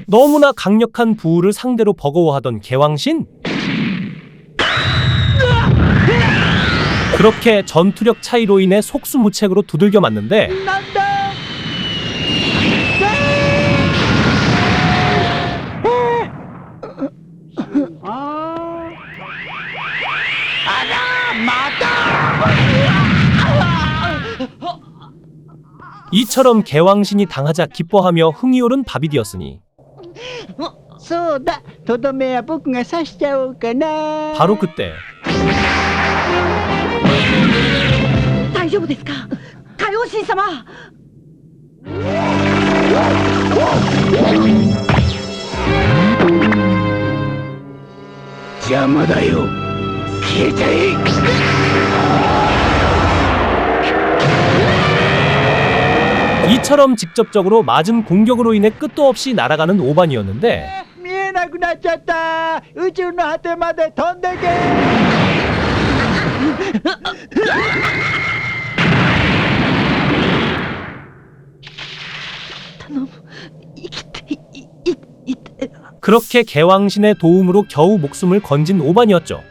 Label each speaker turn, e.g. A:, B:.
A: 너무나 강력한 부우를 상대로 버거워하던 개왕신. 그렇게 전투력 차이로 인해 속수무책으로 두들겨 맞는데 이처럼 개왕신이 당하자 기뻐하며 흥이 오른 바비디였으니
B: そうだ、とどめは僕が刺しちゃおうかな。
A: 바로 그때
C: 大丈夫ですか、海王神様。
B: 邪魔だよ。消えちゃえ。
A: 이처럼 직접적으로 맞은 공격으로 인해 끝도 없이 날아가는 오반이었는데
B: 見えなくなっちゃった。宇宙の果てまで飛んでけ。
A: 그렇게 개왕신의 도움으로 겨우 목숨을 건진 오반이었죠.